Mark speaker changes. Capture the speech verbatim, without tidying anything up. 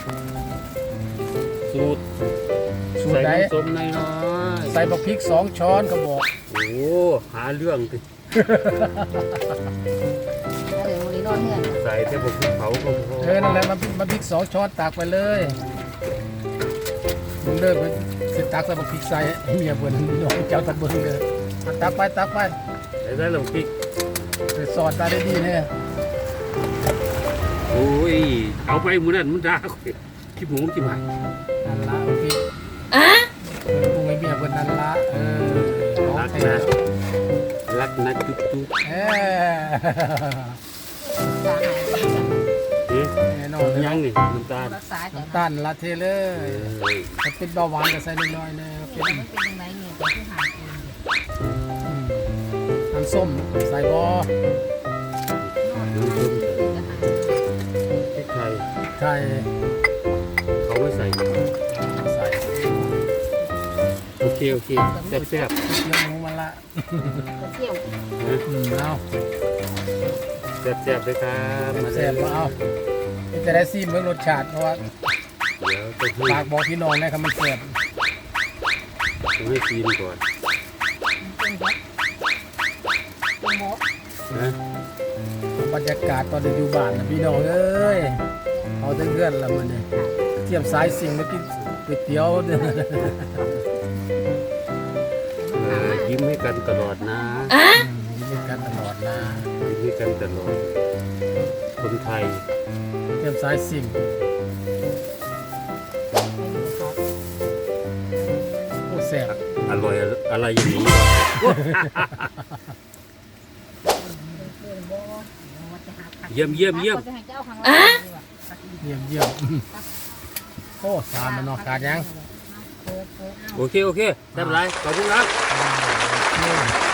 Speaker 1: สูตรสูตรใส่น้ำส้มน้อยๆ
Speaker 2: ใส่บักพริกสองช้อนเขาบอก
Speaker 1: โอ้หาเรื่องติ
Speaker 3: เดี๋ยววันนี้นอนเงื่อน
Speaker 1: ใส่แต่ผมเผาก็พอ
Speaker 2: เออนั่นแหละมันมันพริกสองช้อนตักไปเลยมึงเลิกไปสิตักใส่บักพริกใส่ให้เมียเบิ่นพี่น้องเจ้าตะเบิ่งเลยตักไปตักไป
Speaker 1: ใส่ได้ลงพริก
Speaker 2: ไปสอดตาได้ดีเนี่ย
Speaker 1: โอ้ยเอาไปมือนั้นมันด่าขี้หมูขี้หมา
Speaker 2: นั่นละบักพริกอ่ะปรุงให้เมียเบิ่นนั่นละเออรักนะ
Speaker 1: รักนะจุ๊บจุ๊บ
Speaker 2: เออ
Speaker 3: สาหาย
Speaker 1: เอ๊ะ
Speaker 2: แน่นอนเลย
Speaker 1: ยังนี่น้ำตาล
Speaker 3: รักษาแต่
Speaker 2: น้ำตาลละเทเลยถ้าเป็นเบาหวานก็ใส่น้อยๆเลยเป็น
Speaker 3: ไม่เป็นยังไงเนี่ยแต่ที่หายเอง
Speaker 2: น้ำส้มใส่บอ
Speaker 1: น้ำส้มพริกไทย
Speaker 2: ไข่
Speaker 1: เขาไม่ใส่
Speaker 2: ใส่
Speaker 1: โอเคโอเคแซ่บแซ่บ
Speaker 2: เนื้อหมูมันละ
Speaker 3: ก็เที่ยว
Speaker 1: นะ
Speaker 2: อืมเอา
Speaker 1: แซ่บแซ่บเลยครับมา
Speaker 2: แซ่บมาเอาจะได้ซีมเมื่อรสชาติเพราะว่า
Speaker 1: เดี๋ยวต้องให้
Speaker 2: ฝากบอกพี่น้องนะครับมันแซ่บ
Speaker 1: ต้องให้ซีนก่อน
Speaker 3: เป็นแบบเป็นหมก
Speaker 1: นะ
Speaker 2: บรรยากาศตอนเดินอยู่บ้านนะพี่น้องเอ้ยเอาแต่เพื่อนละมันเนี่ยเทียมสายสิ่งมากินก๋วยเตี๋ยวเนี่ย
Speaker 1: เออยิ้มให้กันตลอดนะ
Speaker 2: มีกันตลอดนะ
Speaker 1: ยิ้มให้กันตลอดคนไทย
Speaker 2: เทียมสายสิ่งโอ้แซ่บ
Speaker 1: อร่อยอะไรอย่างนี้ เยี่ยมเยี่ยมเยี่ยม
Speaker 3: จะให้เจ้าข้างล่าง
Speaker 2: เยี่ยมเยี่ยมโอ้สามมันนอกขาดยัง
Speaker 3: เปิดเปิดเอา
Speaker 1: โอเคโอเคได้เป็นไรขอบคุณครับ
Speaker 2: โอเค